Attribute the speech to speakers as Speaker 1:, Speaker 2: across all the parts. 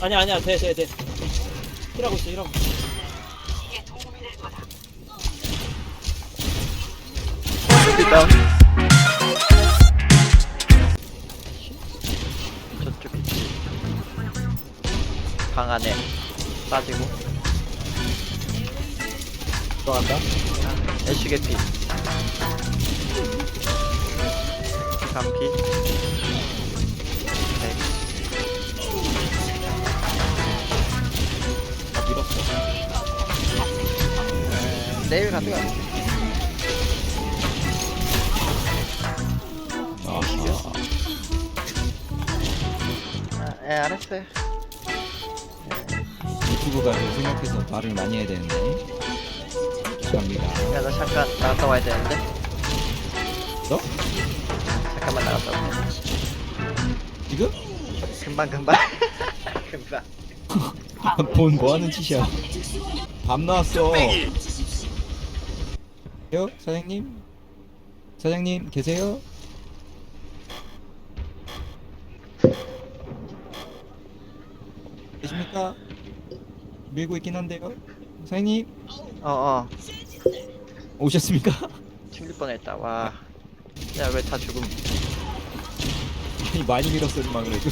Speaker 1: 아니야 돼. 힐하고 있어.
Speaker 2: 일단 저쪽 방 안에 빠지고
Speaker 3: 들어간다.
Speaker 2: 애쉬 개피 감피 네.
Speaker 3: 밀었어.
Speaker 2: 내일 가져가 알았어요.
Speaker 3: 유튜브가 좀 생각해서 말을 많이 해야 되는데. 죄송합니다.
Speaker 2: 야, 나 잠깐 나갔다 와야 되는데.
Speaker 3: 너?
Speaker 2: 잠깐만 나갔다 올게.
Speaker 3: 지금?
Speaker 2: 금방. 금방.
Speaker 3: 본 뭐하는 짓이야? 밤 나왔어. 요 사장님? 사장님 계세요? 계십니까? 밀고 있긴 한데요. 사장님 오셨습니까?
Speaker 2: 튕길 뻔했다. 와. 야, 왜 다 죽음?
Speaker 3: 아니 많이 밀었어 막 그래도.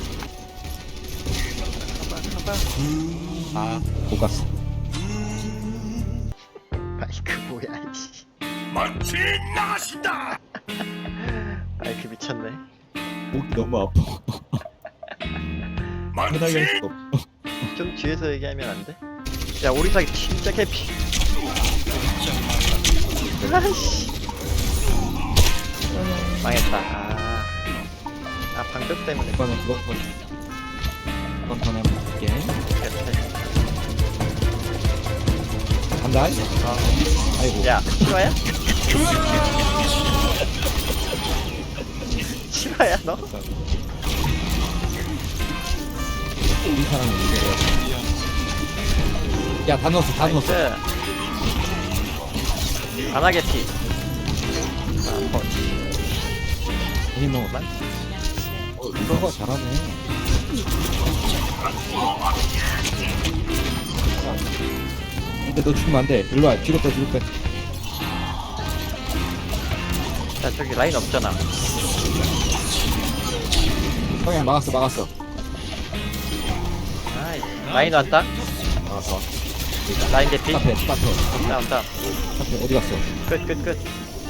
Speaker 2: 가봐.
Speaker 3: 아 못 갔어.
Speaker 2: 마이크 뭐야, 이씨.
Speaker 4: 만취 나가신다.
Speaker 2: 마이크 미쳤네.
Speaker 3: 목이 너무 아파. 편하게 할
Speaker 4: 만취
Speaker 3: 수가 없어.
Speaker 2: 좀 뒤에서 얘기하면 안 돼? 야, 오리사기 진짜 개피. 아이씨. 망했다. 방벽 때문에.
Speaker 3: 이거는 그거 이건 더 내면 볼게. 간다. 아이고.
Speaker 2: 야, 실화야? 실화야, 너?
Speaker 3: 이 사람은 이거야. 야, 다 넣었어.
Speaker 2: 나이스. 안하게 피.
Speaker 3: 괜히 넣었다. 이거가 잘하네. 근데 너 죽으면 안 돼. 일로 와. 뒤로 빼.
Speaker 2: 야, 저기 라인 없잖아.
Speaker 3: 형이 막았어.
Speaker 2: 아이, 라인 왔다.
Speaker 3: 막았어.
Speaker 2: 라인 개피.
Speaker 3: 스타트.
Speaker 2: 다운.
Speaker 3: 스타트 어디 갔어?
Speaker 2: 끝.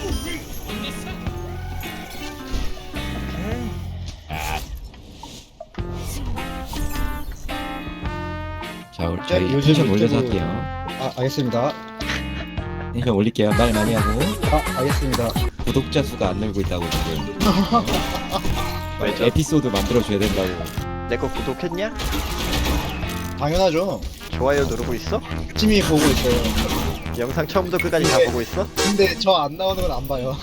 Speaker 3: 자, 저희 텐션 올려서 할게요.
Speaker 5: 아, 알겠습니다.
Speaker 3: 텐션 올릴게요. 말 많이 하고.
Speaker 5: 알겠습니다.
Speaker 3: 구독자 수가 안 늘고 있다고 지금.
Speaker 2: 왜죠?
Speaker 3: 에피소드 만들어줘야 된다고.
Speaker 2: 내 거 구독했냐?
Speaker 5: 당연하죠.
Speaker 2: 좋아요 누르고 있어?
Speaker 5: 팀이 보고 있어요.
Speaker 2: 영상 처음부터 끝까지 다
Speaker 5: 네.
Speaker 2: 보고 있어?
Speaker 5: 근데 저 안 나오는 건 안 봐요.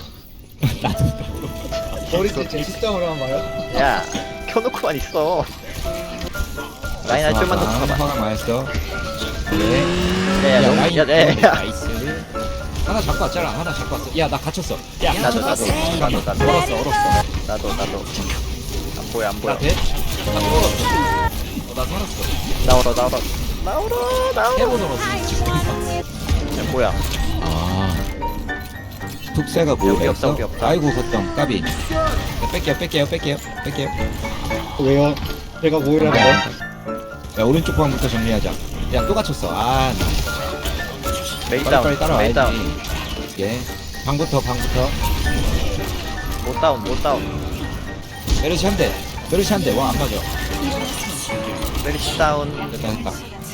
Speaker 5: 머리띠 제 시점으로만 봐요.
Speaker 2: 야, 켜놓고만 있어. 라인 한 좀만 더 쳐봐.
Speaker 3: 화가 많았어. 네.
Speaker 2: 야,
Speaker 3: 라인.
Speaker 2: 야.
Speaker 3: 나이스. 하나 잡고 왔잖아. 야, 나 갇혔어. 야,
Speaker 2: 나도.
Speaker 3: 얼었어.
Speaker 2: 나도. 안 보여.
Speaker 3: 나 돼? 나 얼었어. 나 살았어.
Speaker 2: 나오라.
Speaker 3: 해본 얼었어.
Speaker 2: 야, 뭐야?
Speaker 3: 아. 툭새가
Speaker 2: 여기
Speaker 3: 뭐였어?
Speaker 2: 없다.
Speaker 3: 아이고, 걷던 까비. 뺄게요.
Speaker 5: 왜요? 제가 뭐 이러는
Speaker 3: 야, 오른쪽 방부터 정리하자. 야, 또 갇혔어. 아, 나.
Speaker 2: 메인
Speaker 3: 빨리
Speaker 2: 다운.
Speaker 3: 따라와야지. 예. 방부터.
Speaker 2: 못 다운.
Speaker 3: 메르시 한 대. 와, 안 맞아.
Speaker 2: 메리시 다운.
Speaker 3: 됐다.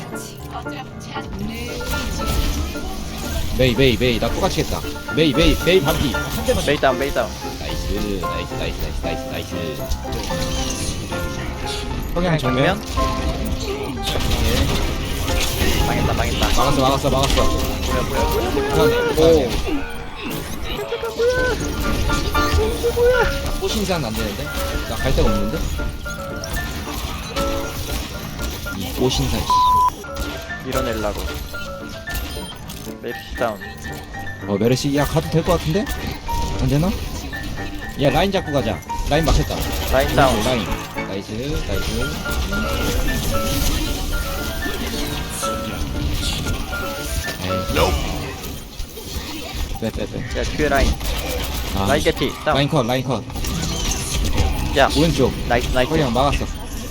Speaker 3: 메이. 나 또 갇히겠다. 메이 반피. 한 대만.
Speaker 2: 메이 다운.
Speaker 3: 나이스. 성향 정면.
Speaker 2: 망했다.
Speaker 3: 막았어.
Speaker 2: 뭐야.
Speaker 3: 오. 꽃신사는 안 되는데? 나 갈 데가 없는데? 이 꽃신사.
Speaker 2: 밀어내려고. 메리시 다운.
Speaker 3: 메르시, 야, 가도 될 것 같은데? 안 되나? 야, 라인 잡고 가자. 라인 막혔다.
Speaker 2: 라인 다운.
Speaker 3: 라인. 나이스. 빼.
Speaker 2: 야 뒤에 라인.
Speaker 3: 아,
Speaker 2: 라인 개피. 다운.
Speaker 3: 라인 컷.
Speaker 2: 야
Speaker 3: 오른쪽.
Speaker 2: 나이스 나이스.
Speaker 3: 허리랑 막았어.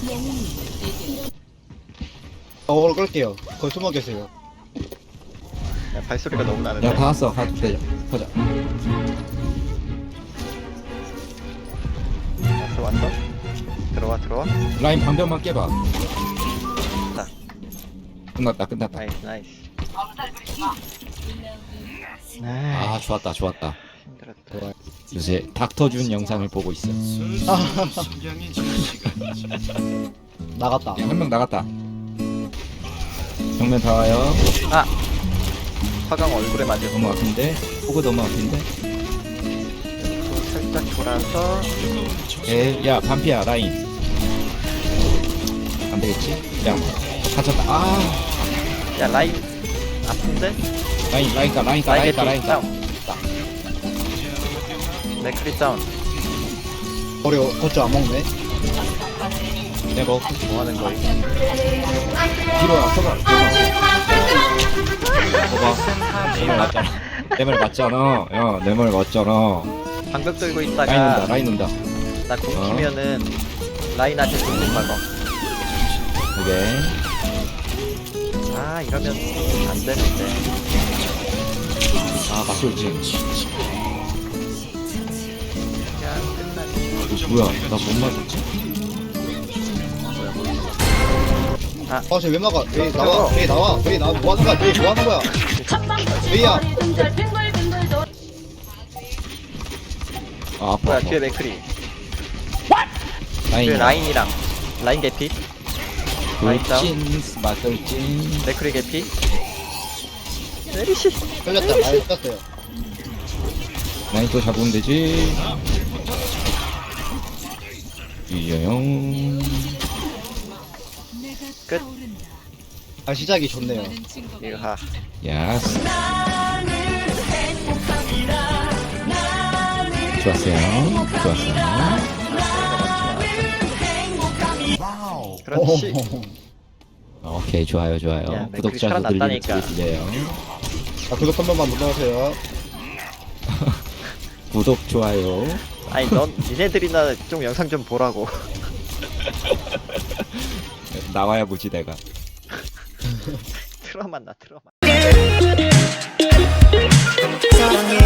Speaker 5: 어그로 끌게요. 거기 숨어 계세요.
Speaker 2: 야, 발소리가 너무 나는데.
Speaker 3: 야, 다 왔어. 가도 돼. 보자.
Speaker 2: 왔어? 들어와.
Speaker 3: 라인 방벽만 깨봐.
Speaker 2: 자.
Speaker 3: 끝났다.
Speaker 2: 나이스 나이스.
Speaker 3: 아, 좋았다.
Speaker 2: 힘들었다.
Speaker 3: 요새 닥터준 영상을 보고 있어.
Speaker 5: 나갔다.
Speaker 3: 한 명 나갔다. 정면 다 와요.
Speaker 2: 아 화강 얼굴에 맞은
Speaker 3: 너무 아픈데? 호그 너무 아픈데?
Speaker 2: 살짝 돌아서.
Speaker 3: 야, 반피야, 라인. 안 되겠지? 야, 갇혔다. 아,
Speaker 2: 야 라인 아픈데?
Speaker 3: 라인 가.
Speaker 2: 개피. 다운. 맥크리 다운.
Speaker 5: 머리 거쳐 안 먹네.
Speaker 3: 내가
Speaker 2: 뭐 하는 거야?
Speaker 3: 뒤로 와, 서봐. 봐봐. 내 말 맞잖아. 야, 내 말 맞잖아.
Speaker 2: 방벽 들고
Speaker 3: 라인
Speaker 2: 있다가
Speaker 3: 온다.
Speaker 2: 나 공키면은 라인한테 공격 막어.
Speaker 3: 오케이.
Speaker 2: 아 이러면 안 되는데.
Speaker 3: 아, 맞돌지.
Speaker 2: 그냥 끝나지.
Speaker 3: 뭐야, 나 못 맞았지?
Speaker 5: 쟤왜 막아? 왜 나와? 뭐 하는 거야? 왜야?
Speaker 3: 아, 아파.
Speaker 2: 뭐야 뒤에 맥크리.
Speaker 3: 라인.
Speaker 2: 뒤에 라인이랑 라인 개피. 라인 다운.
Speaker 3: 돌진, 맞돌진.
Speaker 2: 맥크리 개피. 메리시.
Speaker 5: 끌렸다. 많이 끌렸어요.
Speaker 3: 라인 또 잡으면 되지. 이여영.
Speaker 2: 끝.
Speaker 5: 아 시작이 좋네요.
Speaker 2: 이하.
Speaker 3: 야스. 좋았어요.
Speaker 2: 그렇지.
Speaker 3: 오케이, 좋아요.
Speaker 2: 야,
Speaker 3: 구독자도
Speaker 2: 맥클이
Speaker 3: 늘리는
Speaker 2: 살아났다니까.
Speaker 3: 소리 들려요.
Speaker 5: 구독 한 번만 눌러주세요.
Speaker 3: 구독, 좋아요.
Speaker 2: 아니 넌 니네들이나 좀 영상 좀 보라고.
Speaker 3: 나와야 보지 내가.
Speaker 2: 트라우마 나 트라우마.
Speaker 6: 사랑해